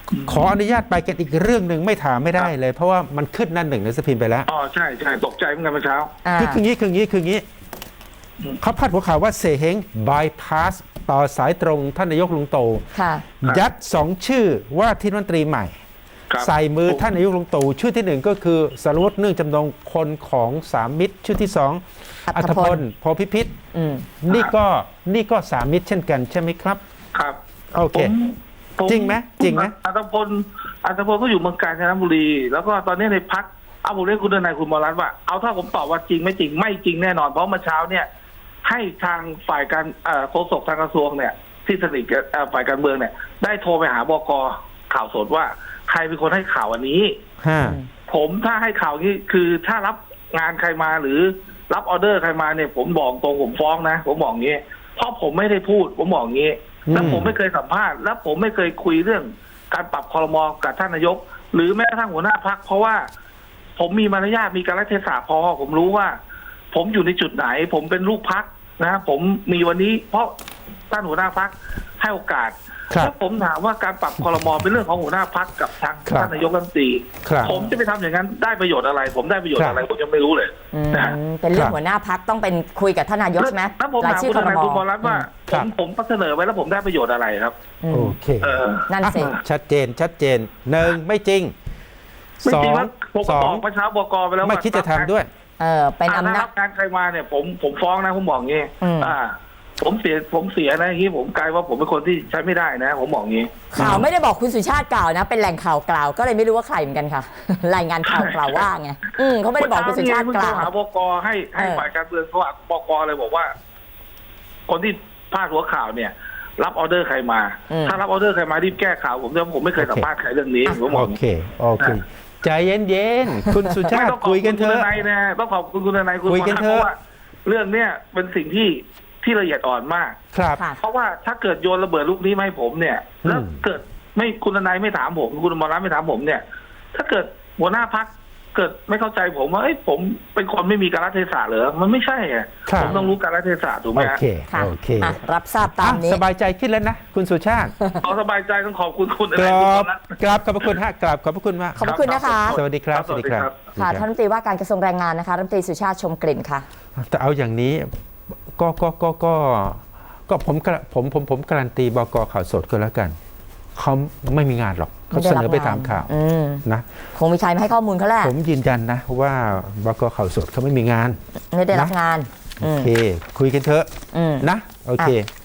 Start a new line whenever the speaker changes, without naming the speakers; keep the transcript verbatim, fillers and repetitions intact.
ขออนุญาตไปกันอีกเรื่องหนึ่งไม่ถามไม่ได้เลย เพราะว่ามันขึ้นหนั่นหนึ่งหนังสือพิมพ์ไปแล้ว
อ๋อใช่ใช่ตกใจเหมือนกันเมื่อเช้า
อ่า
คือคืองี้คืองี้คืองี้เขาพาดหัวข่าวว่าเสเฮงบายพาสต่อสายตรงท่านนายกลุงตู่
ค่ะ
ยัดสองชื่อว่าที่รัฐมนตรีใหม่
ครับ
ใส่มือท่านนายกลุงตู่ชื่อที่หนึ่งก็คือสรวุฒิเนื่องจำนงคนของสามมิตร ชื่อที่สอง
อั
อั
ธ
ธ
พ
พ
ล
ลโพธิพิษ
อืม
นี่ก็นี่ก็สามมิตรเช่นกันใช่ไหมครับ
ครับ
โอเค
ผมผม
จริงไหมจริงไหม
อัตพลอัตพลก็อยู่เมืองกาญจนบุรี แล้วก็ตอนนี้ในพักเอาผมเรียกคุณทนายคุณมรัตน์ว่าเอาถ้าผมตอบว่าจริงไม่จริงไม่จริงแน่นอนเพราะเมื่อเช้าเนี่ย ให้ทางฝ่ายการเอ่อโฆษกทางกระทรวงเนี่ย ที่สนิทกับเอ่อฝ่ายการเมืองเนี่ย ได้โทรไปหาบกข่าวสดว่าใครเป็นคนให้ข่าวอันนี้
ฮะ
ผมถ้าให้ข่าวนี้คือถ้ารับงานใครมาหรือรับออเดอร์ใครมาเนี่ย ผมบอกตรงผมฟ้องนะ ผมบอกงี้ เพราะผมไม่ได้พูด ผมบอกงี้ แล้วผมไม่เคยสัมภาษณ์แล้วผมไม่เคยคุยเรื่องการปรับครม.กับท่านนายก หรือแม้กระทั่งหัวหน้าพักเพราะว่าผมมีมารยาทมีการรัฐเทศะพอผมรู้ว่า ผมอยู่ในจุดไหน ผมเป็นลูกพักนะ ผมมีวันนี้ เพราะท่านหัวหน้าพักให้โอกาส
ครับ
แล้วผมถามว่าการปรับครม.เป็นเรื่องของหัวหน้าพักกับทาง
ครับ
ท่านนายกรัฐมนตรี
ครับ
ผมจะไปทำอย่างนั้นได้ประโยชน์อะไร ผมได้ประโยช
ค
น์
รับ
อะไรผมยังไม่รู้เลย
อืม
นะฮะ
เป็นเรื่อ
ครั
ง
บ
หัวหน้าพักต้องเป็นคุยกับท่านนายกใช่ไหม
แล้วผม
ราย
ถาม
ชื่อ
คุณ
ค
ท
ร
นาย
ม
คุณบอลรัตน์ว่า
ค
ผ
รับ
มผมเสนอไว้แล้วผมได้ประโยชน์อะไรครับ
อืม
โอเค
เออ
นั่นสิ
อ่ะ
ชัดเจนชัดเจนหนึ่งไม่จริง
ไม่
สอ
จริง
ง
ว่าผม
ส
ก็
อบ
อง กประชาบกไปแล้ว
ไม่
ว่า
คิดจะทำด้วย
เออเป็น
อ่า
อำ
ถ้า
นา
รั
จ
บการใครมาเนี่ย ผมผมฟ้องนะผมบอกงี้
อืม
อ่า ผมเสียผมเสียนะอย่างนี้ผมกลายว่าผมเป็นคนที่ใช้ไม่ได้นะ ผมบอกงี้
ข่าวไม่ได้บอกคุณสุชาติกล่าวนะ เป็นแหล่งข่าวกล่าวก็เลยไม่รู้ว่าใครเหมือนกันค่ะ รายงานข่าวกล่าวว่าไงอืมเขาไม่ได้บอกคุณสุชาติ
เมื่
ก
อเช้
ล่าว
เพิ่งโทรหาบกให้ให้
เออ
ฝ่ายการเมืองเขาอ่ะบกเลยบอกว่า คนที่พาดหัวข่าวเนี่ย รับออเดอร์ใครมา ถ้ารับออเดอร์ใครมารีบแก้ข่าวผมเนี่ยผมไม่เคยสัมภาษณ์ใครเรื่องนี้ผมบ
โอ
อก
เคโอเคใจเย็นๆคุณสุชา
ไม่
ติ
ต้องขอบ
คุย
คุ
กัน
ณ
เถ
คุณ
อะ
ทนายนะต้องขอบคุณคุณทนายคุณ
คุยกันเถอะ
พราะว่าเรื่องเนี้ยเป็นสิ่งที่ที่ละเอียดอ่อนมาก
ครับ
ค่ะ
เพราะว่าถ้าเกิดโยนระเบิดลูกนี้มาให้ผมเนี่ย
อืม
แล้วเกิดไม่คุณทนายไม่ถามผมคุณอมรรัตน์ไม่ถามผมเนี่ย ถ้าเกิดหัวหน้าพักเกิดไม่เข้าใจผมว่าเอ้ยผมเป็นคนไม่มีการรัฐเทศะเหรอมันไม่ใช่ไง
ครับ
ผมต้องรู้การรัฐเทศะถูกไหม
โอ
ฮะ
เค
ค่ะ
โอเค
อ่ะรับทราบตามนี้
อ่ะสบายใจขึ้นแล้วนะ คุณสุชาติ
เอาสบายใจต้องขอบคุณคุณ
ก
ทนาย
รา
คุณ
บ
อมรรัตน์
กราบขอบพระคุณฮะกราบขอบพระคุณมาก
ขอบพระคุณนะคะ
สวัสดีครับ
สวัสดีครับ
ค่ะท่านรัฐมนตรีว่าการกระทรวงแรงงานนะคะรัฐมนตรีสุชาติชมกลิ่นค่ะ
แต่เอาอย่างนี้ก็ก็ก็ก็ก็ผมกระผมผมผมการันตีบกข่าวสดก็แล้วกันเขาไม่มีงานหรอกเขาเสนอไปตามข่าว
อืม
นะ
คงมีใครมาให้ข้อมูลเขาแหละ
ผมยืนยันนะว่าบกข่าวสดเขาไม่มีงาน
ไม่ได้รับงาน
โอเค คุยกันเถอะ
อืม
นะ โอเค
อ่ะ